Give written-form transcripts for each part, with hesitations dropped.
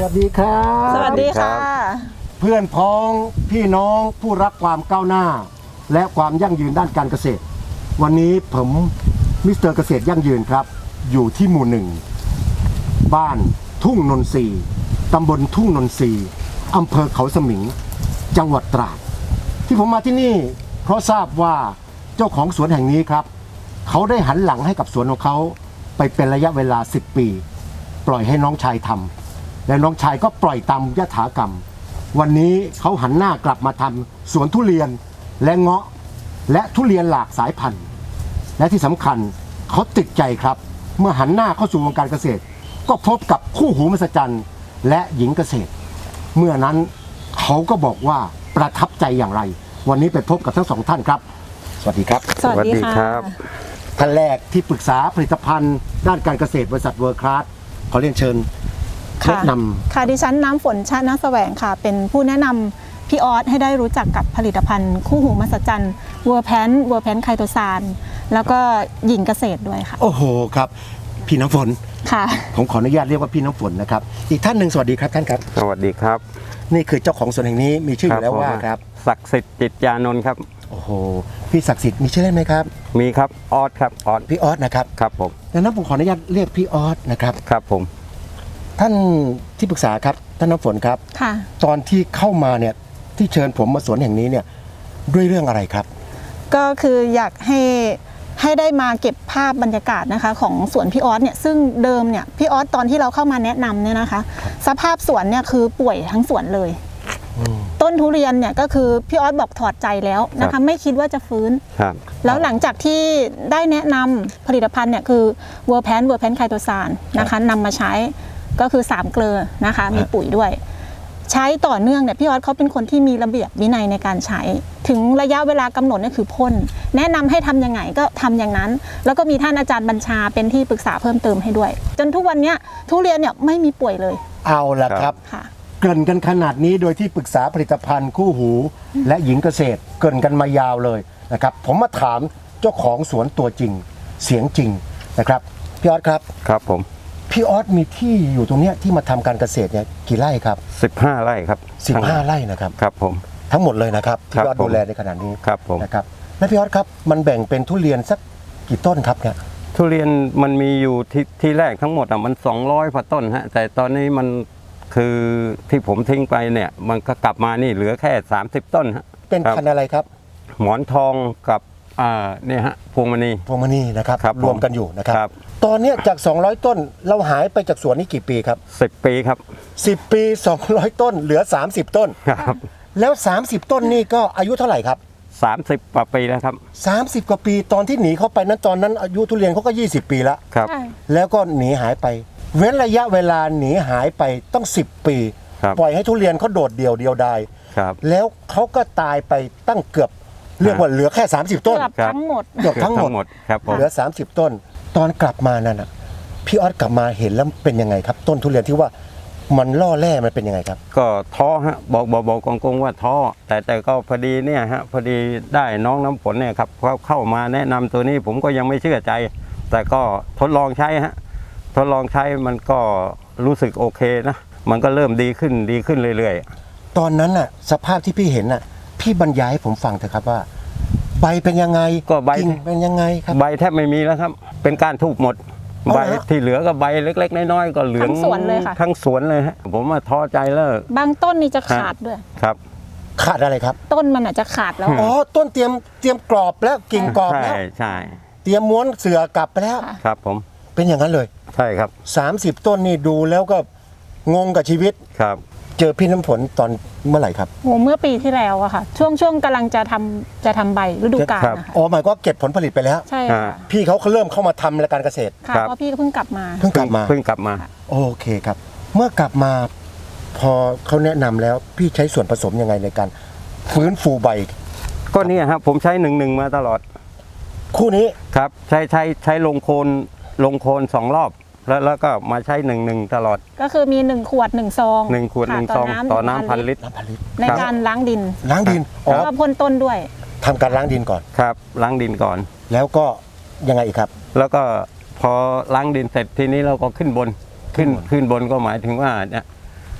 วัสดีครับสวัสดีค่ะเพื่อนพ้องพี่น้องผู้รักความก้าวหน้าและความยั่งยืนด้านการเกษตรวันนี้ผมมิสเตอร์เกษตรยั่งยืนครับอยู่ที่หมู่หนึ่งบ้านทุ่งนนทรีย์ตำบลทุ่งนนทรีย์อำเภอเขาสมิงจังหวัดตราดที่ผมมาที่นี่เพราะทราบว่าเจ้าของสวนแห่งนี้ครับเขาได้หันหลังให้กับสวนของเขาไปเป็นระยะเวลา10 ปีปล่อยให้น้องชายทำและน้องชายก็ปล่อยตามยถากรรมวันนี้เขาหันหน้ากลับมาทำสวนทุเรียนและเงาะและทุเรียนหลากสายพันธุ์และที่สำคัญเขาติดใจครับเมื่อหันหน้าเข้าสู่วงการเกษตรก็พบกับคู่หูมหัศจรรย์และหญิงเกษตรเมื่อนั้นเขาก็บอกว่าประทับใจอย่างไรวันนี้ไปพบกับทั้งสองท่านครับสวัสดีครับสวัสดีครับท่านแรกที่ปรึกษาผลิตภัณฑ์ด้านการเกษตรบริษัทเวิร์คคลาสขอเรียนเชิญแนะนำค่ะดิฉันน้ำฝนชาตินาแสวงค่ะเป็นผู้แนะนำพี่ออสให้ได้รู้จักกับผลิตภัณฑ์คู่หูมหัศจรรย์เวอร์แพนไคโตซานแล้วก็หญิงเกษตรด้วยค่ะโอ้โหครับพี่น้ำฝนค่ะผมขออนุญาตเรียกว่าพี่น้ำฝนนะครับอีกท่านหนึ่งสวัสดีครับท่านครับสวัสดีครับนี่คือเจ้าของสวนแห่งนี้มีชื่ออยู่แล้วว่าครับศักดิ์สิทธิ์จิตยานนท์ครับโอ้โหพี่ศักดิ์สิทธิ์มีชื่อเล่นไหมครับมีครับออสครับออสพี่ออสนะครับครับผมดังนั้นผมขออนุญาตเรียกพี่ออสนะครับครับผมท่านที่ปรึกษาครับท่านน้ำฝนครับค่ะตอนที่เข้ามาเนี่ยที่เชิญผมมาสวนแห่งนี้เนี่ยด้วยเรื่องอะไรครับก็คืออยากให้ได้มาเก็บภาพบรรยากาศนะคะของสวนพี่ออสเนี่ยซึ่งเดิมเนี่ยพี่ออสตอนที่เราเข้ามาแนะนำเนี่ยนะคะสภาพสวนเนี่ยคือป่วยทั้งสวนเลยต้นทุเรียนเนี่ยก็คือพี่ออสบอกถอดใจแล้วนะคะไม่คิดว่าจะฟื้นแล้วหลังจากที่ได้แนะนำผลิตภัณฑ์เนี่ยคือเวอร์แพนไคโตซานนะคะนำมาใช้ก็คือ3 เกลือนะคะมีปุ๋ยด้วยใช้ต่อเนื่องเนี่ยพี่ออสเขาเป็นคนที่มีระเบียบวินัยในการใช้ถึงระยะเวลากำหนดเนี่ยคือพ่นแนะนำให้ทำยังไงก็ทำอย่างนั้นแล้วก็มีท่านอาจารย์บัญชาเป็นที่ปรึกษาเพิ่มเติมให้ด้วยจนทุกวันนี้ทุเรียนเนี่ยไม่มีป่วยเลยเอาละครับเกริ่นกันขนาดนี้โดยที่ปรึกษาผลิตภัณฑ์คู่หูและหญิงเกษตรเกริ่นกันมายาวเลยนะครับผมมาถามเจ้าของสวนตัวจริงเสียงจริงนะครับพี่ออสครับครับผมพี่ออสมีที่อยู่ตรงนี้ที่มาทำการเกษตรเนี่ยกี่ไร่ครับ 15 ไร่ครับ 15 ไร่นะครับครับผมทั้งหมดเลยนะครับที่พี่ออสดูแลในขณะนี้ครับผมนะครับและพี่ออสครับมันแบ่งเป็นทุเรียนสักกี่ต้นครับเนี่ยทุเรียนมันมีอยู่ที่แรกทั้งหมดมัน200 กว่าต้นฮะแต่ตอนนี้มันคือที่ผมทิ้งไปเนี่ยมันก็กลับมานี่เหลือแค่30 ต้นฮะเป็นพันธุ์อะไรครับหมอนทองกับเนี่ยฮะพวงมณีนะครับรวมกันอยู่นะครับตอนนี้จาก200 ต้นเราหายไปจากสวนนี้กี่ปีครับ 10 ปีครับ 10 ปี200 ต้นเหลือ30 ต้นครับแล้ว30 ต้นนี่ก็อายุเท่าไหร่ครับ 30 กว่าปีแล้วครับ 30 กว่าปีตอนที่หนีเข้าไปนั้นตอนนั้นอายุทุเรียนเขาก็20 ปีแล้วครับแล้วก็หนีหายไปเว้นระยะเวลาหนีหายไปต้อง10 ปีปล่อยให้ทุเรียนเขาโดดเดี่ยวดายแล้วเขาก็ตายไปตั้งเกือบเรียกว่าเหลือแค่30 ต้นเกือบทั้งหมดครับเหลือ30 ต้นตอนกลับมานั่นน่ะพี่ออสกลับมาเห็นแล้วเป็นยังไงครับต้นทุเรียนที่ว่ามันล่อแร่มันเป็นยังไงครับก็ท้อฮะบอกกงว่าท้อแต่ก็พอดีเนี่ยฮะพอดีได้น้องน้ำฝนเนี่ยครับเขาเข้ามาแนะนำตัวนี้ผมก็ยังไม่เชื่อใจแต่ก็ทดลองใช้ฮะทดลองใช้มันก็รู้สึกโอเคนะมันก็เริ่มดีขึ้นเรื่อยๆตอนนั้นน่ะสภาพที่พี่เห็นน่ะพี่บรรยายให้ผมฟังเถอะครับว่าใบเป็นยังไงก็ใบเป็นยังไงครับใบแทบไม่มีแล้วครับเป็นการทูบหมดใบที่เหลือก็ใบเล็กๆน้อยๆก็เหลืองทั้งสวนเลยค่ะทั้งสวนเลยฮะผมว่าท้อใจแล้วบางต้นนี่จะขาดด้วยครับขาดอะไรครับต้นมันอาจจะขาดแล้วอ๋อต้นเตรียมกรอบแล้วกิ่งกรอบแล้วใช่เตรียมม้วนเสื่อกลับไปแล้วครับผมเป็นอย่างนั้นเลยใช่ครับ 30 ต้นนี่ดูแล้วก็งงกับชีวิตครับเจอพี่น้ำฝนตอนเมื่อไหร่ครับเมื่อปีที่แล้วอะค่ะช่วงกำลังจะทำใบฤดูกาลนะคะอ๋อหมายก็เก็บผลผลิตไปแล้วใช่ค่ะพี่เขาเริ่มเข้ามาทำรายการเกษตรค่ะเพราะพี่ก็เพิ่งกลับมาโอเคครับเมื่อกลับมาพอเขาแนะนำแล้วพี่ใช้ส่วนผสมยังไงในการฟื้นฟูใบก็นี่ครับผมใช้1 มาตลอดคู่นี้ครับใช้ลงโคน2 รอบแล้วก็มาใช้1 ตลอดก็คือมี1 ขวด 1 ซอง 1 ขวด 1 ซองต่อน้ำ1,000 ลิตรในการล้างดินแล้วก็พ่นต้นด้วยทำการล้างดินก่อนครับล้างดินก่อนแล้วก็ยังไงอีกครับแล้วก็พอล้างดินเสร็จทีนี้เราก็ขึ้นบนก็หมายถึงว่าเนี่ย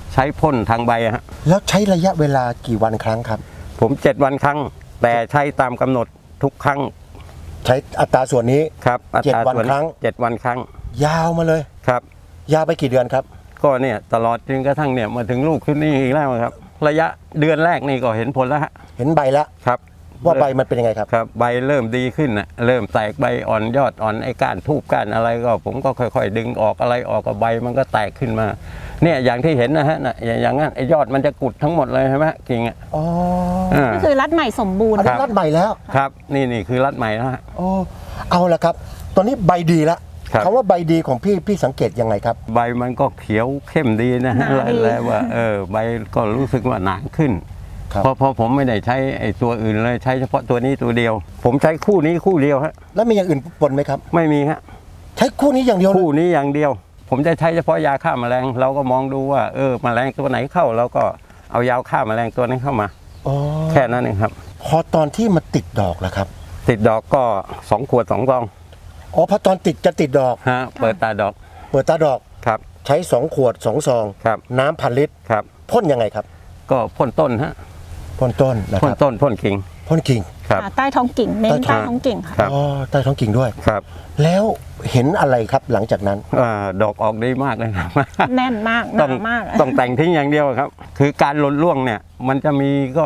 ใช้พ่นทางใบฮะแล้วใช้ระยะเวลากี่วันครั้งครับผม7 วันครั้ง แต่ใช้ตามกำหนดทุกครั้งใช้อัตราส่วนนี้ครับอัตรา 7 วันส่วนครั้ง 7 วันครั้งยาวมาเลยครับยาวไปกี่เดือนครับก็เนี่ยตลอดจนกระทั่งเนี่ยมาถึงลูกขึ้นนี่อีกแล้วครับ ระยะเดือนแรกนี่ก็เห็นผลแล้วฮะเห็นใบแล้วครับว่าใบมันเป็นยังไงครับครับใบเริ่มดีขึ้นนะเริ่มแตกใบอ่อนยอดอ่อนไอ้ก้านทูบก้านอะไรก็ผมก็ค่อยๆ ดึงออกอะไรออกกับใบมันก็แตกขึ้นมา เนี่ยอย่างที่เห็นนะฮะน่ะอย่างนั้นไอ้ยอดมันจะกุดทั้งหมดเลยใช่ไหมกิ่งอ่ะอ๋อก็คือรัดใหม่สมบูรณ์อันนี้รัดใหม่แล้วครับนี่คือรัดใหม่แล้วฮะโอ้เอาละครับ ตอนนี้ใบดีแล้วครับคำว่าใบดีของพี่สังเกตยังไงครับใบมันก็เขียวเข้มดีนะฮะหนาดีแล้วว่าใบก็รู้สึกว่าหนาขึ้นครับเพราะผมไม่ได้ใช้ไอ้ตัวอื่นเลยใช้เฉพาะตัวนี้ตัวเดียว ผมใช้คู่นี้คู่เดียวฮะแล้วมีอย่างอื่นปนไหมครับไม่มีฮะใช้คู่นี้อย่างเดียวเลยคู่นี้อย่างเดียว ผมจะใช้เฉพาะยาฆ่าแมลงเราก็มองดูว่าแมลงตัวไหนเข้าเราก็เอายาฆ่าแมลงตัวนั้นเข้ามาอ๋อแค่นั้นเองครับพอตอนที่มันติดดอกแล้วครับติดดอกก็2 ขวด 2 ซองอ๋อพอตอนจะติดดอกฮะเปิดตาดอกเปิดตาดอกครับใช้2 ขวด 2 ซองครับน้ำพันลิตรครับพ่นยังไงครับก็พ่นต้นฮะพ่นต้นนะคพ่นรับต้นพ่นกิ่งพ่นกิ่งครับใต้ท้องกิ่งเน้นใต้ใต้ท้องกิ่งค่ะครับอ๋อใต้ท้องกิ่งด้วยครับแล้วเห็นอะไรครับหลังจากนั้นดอกออกดีมากเลยครับแน่นมากหต้นาองมากต้องแต่งทิ้งอย่างเดียวครับ คือการหล่นร่วงเนี่ยมันจะมีก็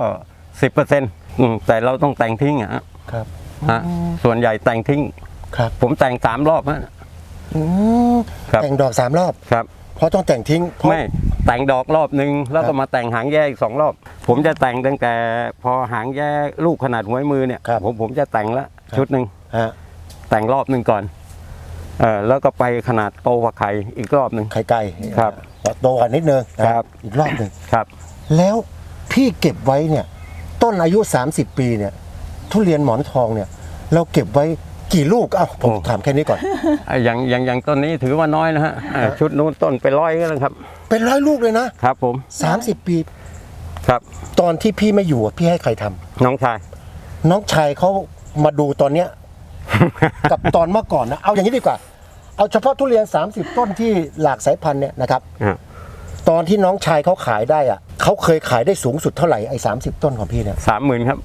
10%แต่เราต้องแต่งทิ้งอะฮะครับฮะส่วนใหญ่แต่งทิ้งครับผมแต่ง3 รอบฮะอืมครับแต่งดอก3 รอบครับเพราะต้องแต่งทิ้งเพราะไม่แต่งดอกรอบนึงแล้วก็มาแต่งหางแยกอีก2 รอบ ผมจะแต่งตั้งแต่พอหางแยกลูกขนาดหัวมือเนี่ยครับผมจะแต่งละชุดหนึ่งฮะแต่งรอบหนึ่งก่อนแล้วก็ไปขนาดโตกว่าไข่อีกรอบหนึ่งไข่ไก่ครับโตกว่านิดนึงนะครับ อีกรอบหนึ่งครับแล้วพี่เก็บไว้เนี่ย ต้นอายุ 30 ปีเนี่ย ทุเรียนหมอนทองเนี่ย เราเก็บไว้กี่ลูกเอ้าผมโอ้ถามแค่นี้ก่อนอย่างต้นนี้ถือว่าน้อยนะฮะชุดนู้นต้นไป100ก็แล้วครับเป็น100 ลูกเลยนะครับผม 30 ปีครับตอนที่พี่ไม่อยู่อะพี่ให้ใครทำน้องชายน้องชายเขามาดูตอนเนี้ย กับตอนเมื่อก่อนนะเอาอย่างนี้ดีกว่า เอาเฉพาะทุเรียน 30 ต้นที่หลากสายพันธุ์เนี่ยนะครับ ตอนที่น้องชายเขาขายได้อะเขาเคยขายได้สูงสุดเท่าไหร่ไอ้30 ต้นของพี่เนี่ย 30,000ครับ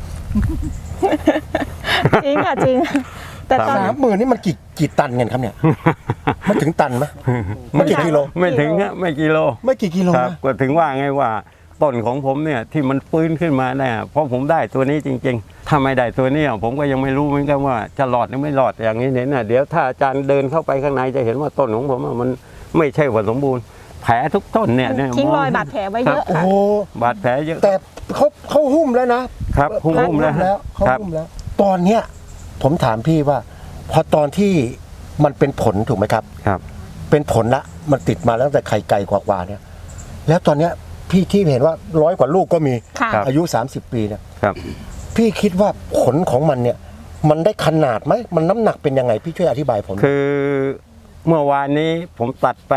จริงค่ะจริง แต่ตอน 30,000นี่มันกี่ตันเงินครับเนี่ย มันถึงตันไหมมันกี่กิโลไม่ถึงฮะไม่กิโลไม่กี่กิโลครับนะก็ถึงว่าไงว่าต้นของผมเนี่ยที่มันฟื้นขึ้นมาเนี่ยเพราะผมได้ตัวนี้จริงๆ ถ้าไม่ได้ตัวนี้ผมก็ยังไม่รู้เหมือนกันว่าจะรอดหรือไม่รอดอย่างนี้เนี่ยนะเดี๋ยวถ้าอาจารย์เดินเข้าไปข้างในจะเห็นว่าต้นของผมมันไม่ใช่ว่าสมบูรณ์แผลทุกต้นเนี่ยทิ้งรอยบาดแผลไว้เยอะโอ้ค่ะโหบาดแผลเยอะแต่เขาหุ้มแล้วนะครับหุ้มแล้วเขาครับหุ้มแล้ว ตอนเนี้ยผมถามพี่ว่า พอตอนที่มันเป็นผลถูกไหมครับครับเป็นผลละมันติดมาตั้งแต่ไข่ไก่กว่าๆเนี่ย แล้วตอนเนี้ยพี่ที่เห็นว่า100 กว่าลูกก็มีค่ะอายุ 30 ปีเนี่ยครับพี่คิดว่าผลของมันเนี่ย มันได้ขนาดไหมมันน้ำหนักเป็นยังไงพี่ช่วยอธิบายผมคือเมื่อวานนี้ผมตัดไป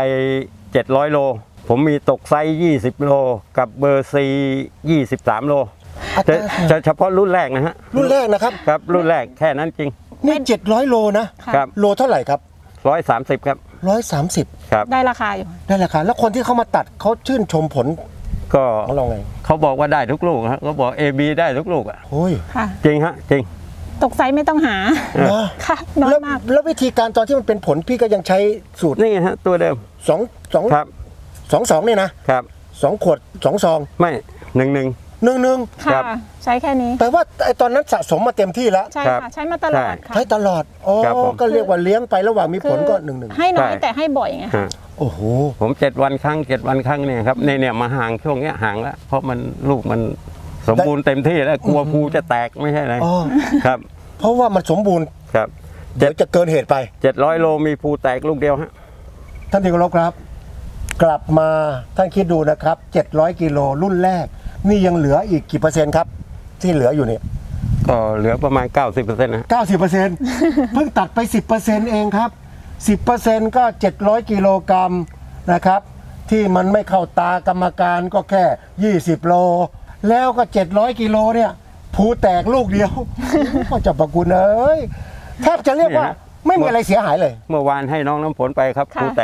700 โล ผมมีตกไซส์20 โลกับเบอร์ซี23 โลอัตราจะเฉพาะรุ่นแรกนะฮะรุ่นแรกนะครับครับรุ่นแรกแค่นั้นจริงนี่700 โลนะค่ะครับโลเท่าไหร่ครับ 130 ครับ 130 ครับได้ราคาอยู่ได้ราคาแล้วคนที่เขามาตัดเขาชื่นชมผลก็ของเราไงเขาบอกว่าได้ทุกลูกฮะเขาบอก AB ได้ทุกลูกอ่ะโอ้ยค่ะจริงฮะจริงตกไซส์ไม่ต้องหานะค่ะน้อยแล้วมากแล้ววิธีการตอนที่มันเป็นผลพี่ก็ยังใช้สูตรนี่ฮะตัวเดิม 2 ครับ 2เนี่ยนะครับ 2 ขวด 2 ซองไม่1 1 ค่ะครับใช้แค่นี้แต่ว่าไอ้ตอนนั้นสะสมมาเต็มที่แล้วใช่ครับค่ะ ใช้มาตลอดค่ะใช้ตลอดอ๋อครับผมก็เรียกว่าเลี้ยงไประหว่างมีผลก็1 ให้น้อยใช่แต่ให้บ่อยไงฮะโอ้โหผม7 วันครั้ง7 วันครั้งเนี่ยครับเนี่ยมาห่างช่วงเนี้ยห่างแล้วเพราะมันลูกมันสมบูรณ์เต็มที่แล้วกลัวภูจะแตกไม่ใช่อะไรอ๋อครับเพราะว่ามันสมบูรณ์ครับเดี๋ยวจะเกินเหตุไป 700 โลมีภูแตกลูกเดียวฮะท่านที่เคารพครับ กลับมาท่านคิดดูนะครับ 700 กิโลรุ่นแรก นี่ยังเหลืออีกกี่เปอร์เซ็นต์ครับ ที่เหลืออยู่เนี่ยก็เหลือประมาณ 90%นะ 90%เพิ่งตัดไป 10%เองครับ 10%ก็ 700 กิโลกรัมนะครับ ที่มันไม่เข้าตากรรมการก็แค่ 20 โล แล้วก็ 700 กิโลเนี่ยภูแตกลูกเดียว ก็จะประคุณเอ้ยแทบจะเรียกว่าไม่มีอะไรเสียหายเลยเมื่อวานให้น้องน้ำฝนไปครับค่ะภูแตก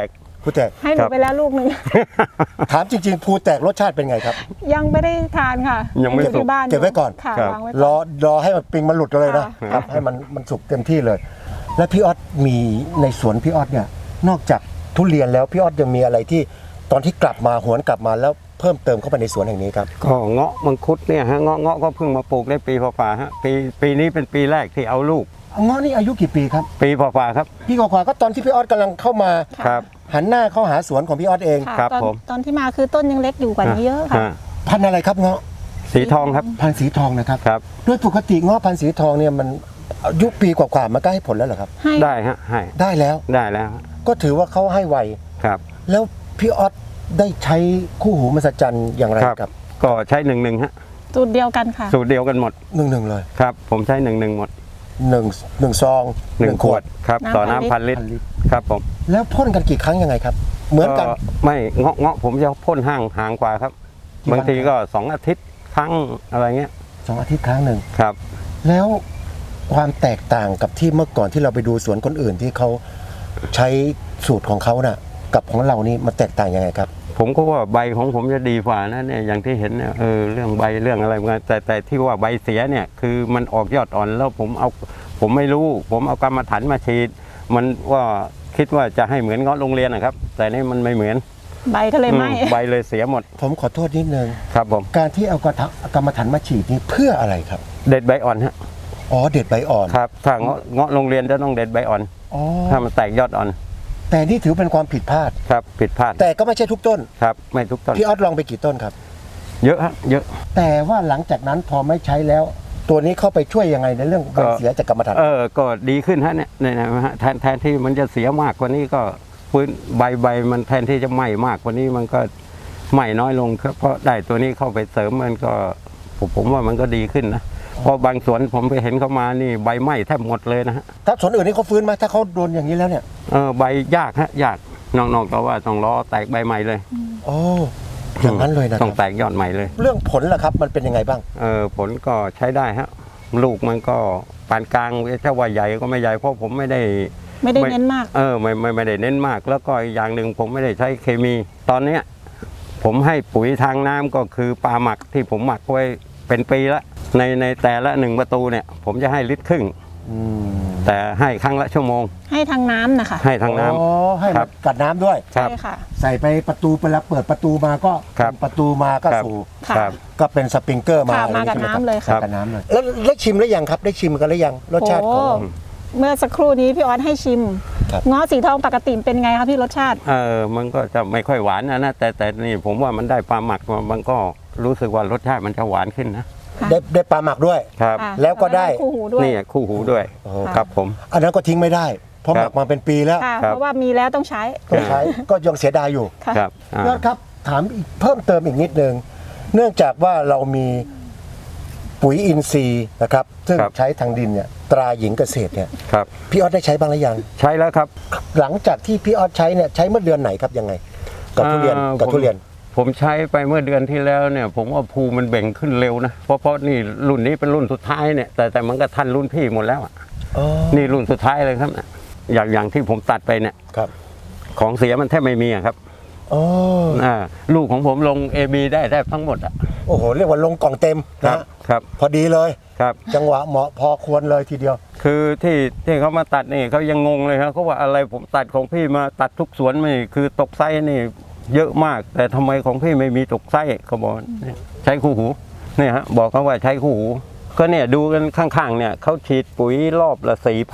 ภูแตกให้หนูไปแล้วลูกหนึ่งถามจริงๆภูแตกรสชาติเป็นไงครับยังไม่ได้ทานค่ะยังไม่เก็บสุกที่บ้านเก็บไว้ก่อนค่ะครับวางไว้รก่ออนรอให้มันปิงมันหลุดเลยนะค่ะครับให้มันสุกเต็มที่เลย แล้วพี่ออสมีในสวนพี่ออสเนี่ยนอกจากทุเรียนแล้วพี่ออสยังมีอะไรที่ตอนที่กลับมาหวนกลับมาแล้วเพิ่มเติมเข้าไปในสวนแห่งนี้ครับก็เงาะมังคุดเนี่ยฮะเงาะก็เพิ่งมาปลูกได้ปีฝ่าๆฮะปีนี้เป็นปีแรกที่เอาลูกเงาะนี่อายุกี่ปีครับปีฝ่าๆครับพี่กว่าๆก็ตอนที่พี่ออสกำลังเข้ามาค่ะครับหันหน้าเข้าหาสวนของพี่ออสเองค่ะครับตอนผมตอนที่มาคือต้นยังเล็กอยู่กว่านี้เยอะค่ะอ่าพันธุ์อะไรครับเงาะสีทองครับพันธุ์สีทองนะครับครับโดยปกติเงาะพันธุ์สีทองเนี่ยมันอายุปีกว่าๆมันก็ให้ผลแล้วเหรอครับให้ได้ฮะให้ได้แล้วได้แล้วฮะก็ถือว่าเขาให้ไวครับแล้วพี่ออสได้ใช้คู่หูมหัศจรรย์อย่างไรครับก็ใช้1-1ฮะสูตรเดียวกันค่ะสูตรเดียวกันหมด 1-1เลยครับ ผมใช้1-1หมด 1ซอง 1 ขวดครับน้ำต่อพันลิตรน้ำพันลิตรครับผมแล้วพ่นกันกี่ครั้งยังไงครับ เหมือนกันไม่เงาะผมจะพ่นห่างกว่าครับกี่วันบางทีก็2 อาทิตย์ครั้งอะไรเงี้ย 2 อาทิตย์ครั้งหนึ่งครับแล้วความแตกต่างกับที่เมื่อก่อนที่เราไปดูสวนคนอื่นที่เขาใช้สูตรของเขาน่ะกับของเรานี่มันแตกต่างยังไงครับผมก็ว่าใบของผมจะดีกว่านะเนี่ยอย่างที่เห็นเนี่ยเรื่องใบเรื่องอะไรมันแต่ที่ว่าใบเสียเนี่ยคือมันออกยอดอ่อนแล้วผมไม่รู้ ผมเอากรรมฐานมาฉีดมันว่าคิดว่าจะให้เหมือนเงาะโรงเรียนนะครับ แต่นี่มันไม่เหมือนใบก็เลยไหม้ใบเลยเสียหมดผมขอโทษนิดนึงครับผมการที่เอากรรมฐานมาฉีดนี่เพื่ออะไรครับเด็ดใบอ่อนฮะอ๋อเด็ดใบอ่อนครับถ้าเงาะโรงเรียนจะต้องเด็ดใบอ่อนอ๋อถ้ามันแตกยอดอ่อนแต่นี่ถือเป็นความผิดพลาดครับผิดพลาดแต่ก็ไม่ใช่ทุกต้นครับไม่ทุกต้นพี่ออสลองไปกี่ต้นครับเยอะฮะเยอะแต่ว่าหลังจากนั้นพอไม่ใช้แล้ว ตัวนี้เข้าไปช่วยยังไงในเรื่องใบเสียจากกรรมฐานก็ดีขึ้นฮะเนี่ยนะฮะแทนที่มันจะเสียมากกว่านี้ก็พื้นใบมันแทนที่จะไหม้มากกว่านี้มันก็ไหม้น้อยลงครับเพราะได้ตัวนี้เข้าไปเสริมมันก็ผมว่ามันก็ดีขึ้นนะเพราะบางสวนผมไปเห็นเขามานี่ใบไหม้แทบหมดเลยนะฮะถ้าสวนอื่นนี่เขาฟื้นไหมถ้าเขาโดนอย่างนี้แล้วเนี่ยใบยากฮะยากนอกจากว่าต้องรอแตกใบใหม่เลยโอ้อย่างนั้นเลยนะคต้อรังบแตกยอดใหม่เลยเรื่องผลล่ะครับมันเป็นยังไงบ้างผลก็ใช้ได้ฮะลูกมันก็ปานกลางถ้าว่าใหญ่ก็ไม่ใหญ่เพราะผมไม่ได้ไม่ได้เน้นมากไม่ได้เน้นมาก แล้วก็อีกอย่างหนึ่งผมไม่ได้ใช้เคมี ตอนเนี้ยผมให้ปุ๋ยทางน้ำก็คือปลาหมักที่ผมหมักไว้เป็นปีละในแต่ละ1 ประตูเนี่ยผมจะให้ลิตรครึ่งแต่ให้ครั้งละชั่วโมงให้ทางน้ำนะคะให้ทางน้ำอ๋อให้ครัมันบกัดน้ำด้วยครับใช่ค่ะใส่ไปประตูไปแล้วเปิดประตูมาก็ครับประตูมาก็ครับสู่ค่ะครับก็เป็นสปริงเกอร์มาค่ะอะไรมากับใช่ไหน้ำเลยคค่ะรับกับน้ำเลยแล้วได้ชิมหรือยังครับ ได้ชิมกันหรือยังรสชาติของเมื่อสักครู่นี้พี่ออสให้ชิมครับเงาะสีทองปกติเป็นไงครับพี่รสชาติมันก็จะไม่ค่อยหวานนะแต่นี่ผมว่ามันได้ปลาหมักมามันก็รู้สึกว่ารสชาติมันจะหวานขึ้นนะค่ะได้ปลาหมักด้วยครับค่ะแล้วก็ได้คู่หูด้วยนี่คู่หูด้วยโอ้โหครับผมอันนั้นก็ทิ้งไม่ได้เพราะคหรับมักมาเป็นปีแล้วค่ะครับเพราะว่ามีแล้วต้องใช้ต้องใช้ก็ยังเสียดายอยู่ค่ะครับยอดครับถามอีกเพิ่มเติมอีกนิดนึงเนื่องจากว่าเรามีปุ๋ยอินทรีย์นะครับซึ่งใช้ทางดินเนี่ยตราหญิงเกษตรเนี่ยครับพี่ออสได้ใช้บ้างหรือยังใช้แล้วครับหลังจากที่พี่ออสใช้เนี่ยใช้เมื่อเดือนไหนครับยังไง กับทุเรียนกับทุเรียนผมใช้ไปเมื่อเดือนที่แล้วเนี่ย ผมว่าภูมันเบ่งขึ้นเร็วนะเพราะนี่รุ่นนี้เป็นรุ่นสุดท้ายเนี่ยแต่มันก็ทันรุ่นพี่หมดแล้วอะอ๋อนี่รุ่นสุดท้ายเลยครับอย่างที่ผมตัดไปเนี่ยครับของเสียมันแทบไม่มีอะครับอ๋อลูกของผมลง AB ได้แทบทั้งหมดอ่ะโอ้โหเรียกว่าลงกล่องเต็มครันะบครับพอดีเลยครับจังหวะเหมาะพอควรเลยทีเดียวคือที่เขามาตัดนี่เขายังงงเลยครับเขาว่าอะไรผมตัดของพี่มาตัดทุกสวนไม่คือตกไส้นี่เยอะมาก แต่ทำไมของพี่ไม่มีตกไส้เขาบอกเนี่ยใช้คู่หูเนี่ยฮะบอกเขาว่าใช้คู่หูก็เนี่ยดูกันข้างๆเนี่ยเขาฉีดปุ๋ยรอบละ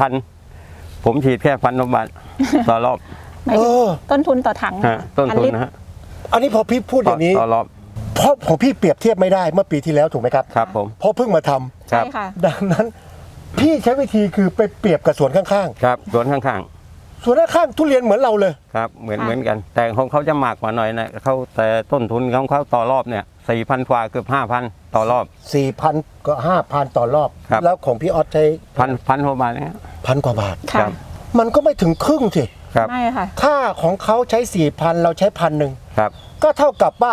4,000 ผมฉีดแค่1,000 บาทต่อรอบหมายถึงเออต้นทุนต่อถังฮะต้นทุนลิตรนะฮะอันนี้พอพี่พูดอย่างนี้ต่อรอบเพราะของพี่เปรียบเทียบไม่ได้เมื่อปีที่แล้วถูกไหมครับครับผมเพราะเพิ่งมาทำครัใช่บค่ะดังนั้น พี่ใช้วิธีคือไปเปรียบกับสวนข้างครับสวนข้างๆสวนข้างๆทุเรียนเหมือนเราเลยๆครับเหมือนค่ะเหมือนกัน แต่ของเขาจะมากกว่าหน่อยนะเขาแต่ต้นทุนของเขาต่อรอบเนี่ย 4,000 กว่าเกือบ 5,000 ต่อรอบ 4,000 ก็ 5,000 ต่อรอบครับแล้วของพี่ออสใช้พันกว่าบาทเนี่ย 1,000 กว่าบาทค่ะครับมันก็ไม่ถึงครึ่งสิครับไม่ค่ะถ้าของเขาใช้ 4,000 เราใช้ 1,000 ครับก็เท่ากับว่า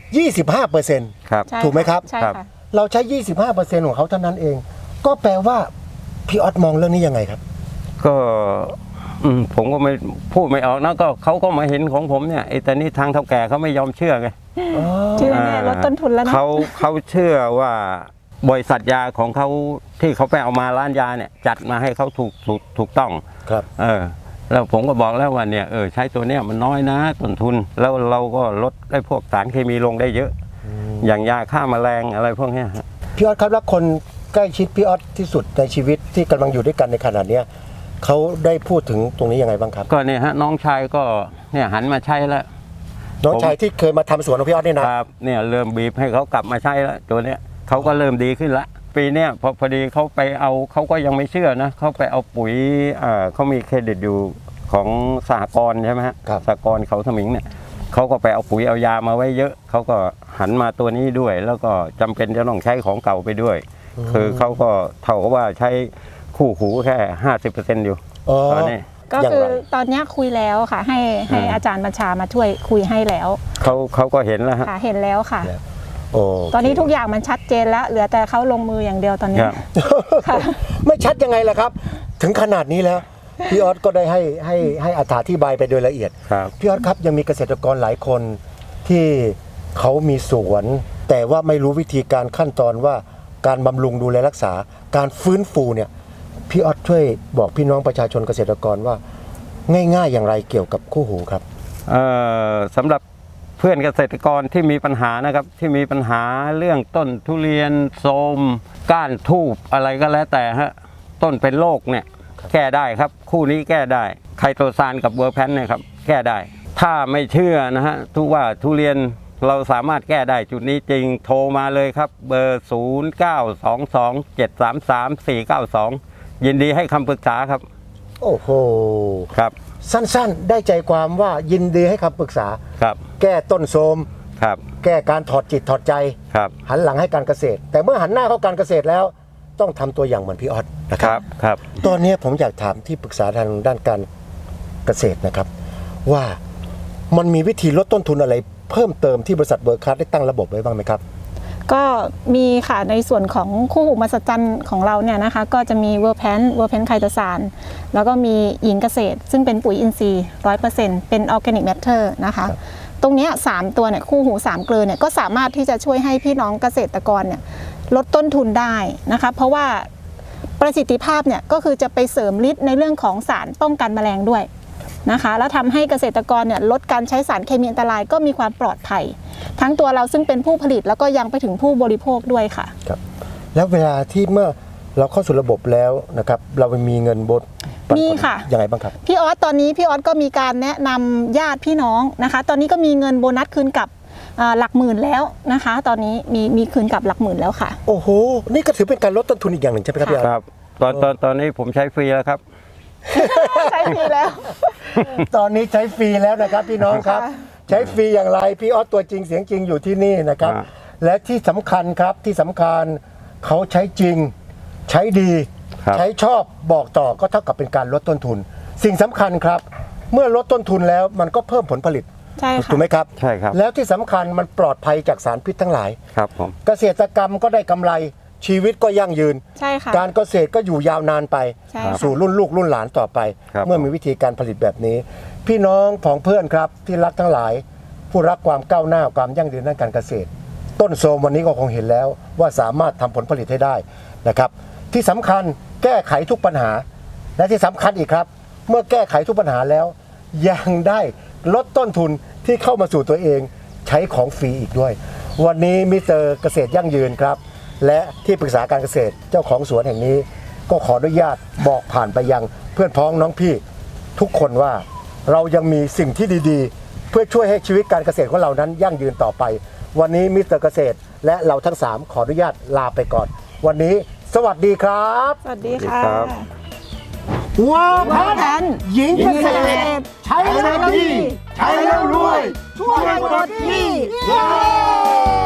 25% ครับใช่ถูกไหมครับใช่ครับค่ะเราใช้ 25%ของเขาเท่านั้นเอง ก็แปลว่าพี่ออสมองเรื่องนี้ยังไงครับก็ผมก็ไม่พูดไม่ออกนะก็เขาก็มาเห็นของผมเนี่ยไอ้แต่นี่ทางเฒ่าแก่เขาไม่ยอมเชื่อไงชื่อแน่ลดต้นทุนแล้วนะเขาเชื่อว่าบริษัทยาของเขาที่เขาไปเอามาร้านยาเนี่ยจัดมาให้เขาถูกต้องครับแล้วผมก็บอกแล้วว่าเนี่ยใช้ตัวเนี้ยมันน้อยนะต้นทุนแล้วเราก็ลดได้พวกสารเคมีลงได้เยอะ อย่างยาฆ่าแมลงอะไรพวกเนี้ยฮะพี่ออสครับแล้วคนใกล้ชิดพี่ออสที่สุดในชีวิตที่กำลังอยู่ด้วยกันในขณะเนี้ยเขาได้พูดถึงตรงนี้ยังไงบ้างครับก็เนี่ยฮะน้องชายก็เนี่ยหันมาใช้แล้วน้องชายที่เคยมาทำสวนของพี่ออสเนี่ยนะครับเนี่ยเริ่มบีบให้เขากลับมาใช้แล้วตัวเนี้ยเขาก็เริ่มดีขึ้นละปีเนี้ยพอดีเขาไปเอาเขาก็ยังไม่เชื่อนะเขาไปเอาปุ๋ยเขามีเครดิตอยู่ของสหกรณ์ใช่ไหมฮะสหกรณ์เขาสมิงเนี่ยเขาก็ไปเอาปุ๋ยเอายามาไว้เยอะเขาก็หันมาตัวนี้ด้วย แล้วก็จำเป็นจะต้องใช้ของเก่าไปด้วย คือเขาก็เท่ากับว่าใช้คู่หูแค่ 50% อยู่ตอนนี้ก็คือตอนนี้คุยแล้วค่ะให้อาจารย์บัญชามาช่วยคุยให้แล้วเขาก็เห็นแล้วฮะค่ะเห็นแล้วค่ะโอ้ตอนนี้ทุกอย่างมันชัดเจนแล้วเหลือแต่เขาลงมืออย่างเดียวตอนนี้ครับค่ะไม่ชัดยังไงล่ะครับ ถึงขนาดนี้แล้วพี่ออสก็ได้ให้อธิบายไปโดยละเอียดครับพี่ออสครับยังมีเกษตรกรหลายคนที่เขามีสวน แต่ว่าไม่รู้วิธีการขั้นตอนว่าการบำรุงดูแลรักษา การฟื้นฟูเนี่ยพี่ออสช่วยบอกพี่น้องประชาชนเกษตรกรว่าง่ายๆอย่างไรเกี่ยวกับคู่หูครับสำหรับเพื่อนเกษตรกรที่มีปัญหานะครับที่มีปัญหาเรื่องต้นทุเรียนโทรมก้านทูบอะไรก็แล้วแต่ฮะต้นเป็นโรคเนี่ยแก้ได้ครับคู่นี้แก้ได้ไคโตซานกับเวอร์แพนเนี่ยครับแก้ได้ ถ้าไม่เชื่อนะฮะว่าทุเรียนเราสามารถแก้ได้จุดนี้จริงโทรมาเลยครับเบอร์ 0922733492 ยินดีให้คำปรึกษาครับโอ้โหครับสั้นๆได้ใจความว่ายินดีให้คำปรึกษาครับแก้ต้นโทรมครับแก้การถอดจิตถอดใจครับหันหลังให้การเกษตร แต่เมื่อหันหน้าเข้าการเกษตรแล้วต้องทำตัวอย่างเหมือนพี่ออสนะคครัรับ บครับตอนนี้ผมอยากถามที่ปรึกษาทางด้านการเกษตรนะครับ ว่ามันมีวิธีลดต้นทุนอะไรเพิ่มเติมที่บริษัทเบอร์คัสได้ตั้งระบบไว้บ้างไหมครับก็มีค่ะในส่วนของคู่หูมหัศจรรย์ของเราเนี่ยนะคะก็จะมีเวอร์แพนไคโตซานแล้วก็มีหญิงเกษตร ซึ่งเป็นปุ๋ยอินทรีย์ 100% เป็นออร์แกนิกแมทเทอร์นะคะตรงเนี้ย3ตัวเนี่ยคู่หู3เกลือเนี่ยก็สามารถที่จะช่วยให้พี่น้องเกษตรกรเนี่ยลดต้นทุนได้นะคะเพราะว่าประสิทธิภาพเนี่ยก็คือจะไปเสริมฤทธิ์ในเรื่องของสารป้องกันแมลงด้วยนะคะแล้วทำให้เกษตรกรเนี่ยลดการใช้สารเคมีอันตรายก็มีความปลอดภัยทั้งตัวเราซึ่งเป็นผู้ผลิตแล้วก็ยังไปถึงผู้บริโภคด้วยค่ะครับ แล้วเวลาที่เมื่อเราเข้าสู่ระบบแล้วนะครับเรามีเงินบดปันผลมีค่ะยังไงบ้างครับพี่ออสตอนนี้พี่ออสก็มีการแนะนำญาติพี่น้องนะคะ ตอนนี้ก็มีเงินโบนัสคืนกลับหลักหมื่นแล้วนะคะ ตอนนี้มีคืนกลับหลักหมื่นแล้วค่ะโอ้โหนี่ก็ถือเป็นการลดต้นทุนอีกอย่างหนึ่งใช่ไหมครับพี่ออสครับตอนนี้ผมใช้ฟรีแล้วครับใช้ฟรีแล้วตอนนี้ใช้ฟรีแล้วนะครับพี่น้องครับค่ะใช้ฟรีอย่างไรพี่ออสตัวจริงเสียงจริงอยู่ที่นี่นะครับอ่าและที่สำคัญครับที่สำคัญเขาใช้จริงใช้ดีครับใช้ชอบบอกต่อก็เท่ากับเป็นการลดต้นทุน สิ่งสำคัญครับ เมื่อลดต้นทุนแล้วมันก็เพิ่มผลผลิตใช่ค่ะถูกไหมครับใช่ครับแล้วที่สำคัญมันปลอดภัยจากสารพิษทั้งหลายครับผมเกษตรกรรมก็ได้กำไรชีวิตก็ยั่งยืนใช่ค่ะการเกษตรก็อยู่ยาวนานไปใช่ค่ะสู่รุ่นลูกรุ่นหลานต่อไปครับเมื่อมีวิธีการผลิตแบบนี้ พี่น้องผองเพื่อนครับที่รักทั้งหลาย ผู้รักความก้าวหน้าความยั่งยืนด้านการเกษตร ต้นโทรมวันนี้ก็คงเห็นแล้วว่าสามารถทำผลผลิตให้ได้นะครับ ที่สำคัญแก้ไขทุกปัญหา และที่สำคัญอีกครับ เมื่อแก้ไขทุกปัญหาแล้ว ยังได้ลดต้นทุนที่เข้ามาสู่ตัวเองใช้ของฟรีอีกด้วย วันนี้มิสเตอร์เกษตรยั่งยืนครับ และที่ปรึกษาการเกษตรเจ้าของสวนแห่งนี้ ก็ขออนุญาตบอกผ่านไปยังเพื่อนพ้องน้องพี่ ทุกคนว่าเรายังมีสิ่งที่ดีๆ เพื่อช่วยให้ชีวิตการเกษตรของเรานั้นยั่งยืนต่อไป วันนี้มิสเตอร์เกษตรและเราทั้ง3ขออนุญาตลาไปก่อน วันนี้สวัสดีครับสวัสดีค่ะครับว้าวเวอร์แพนหญิงเกษตรรใช้แล้วดีใช้แล้วรวยช่วยหมดที่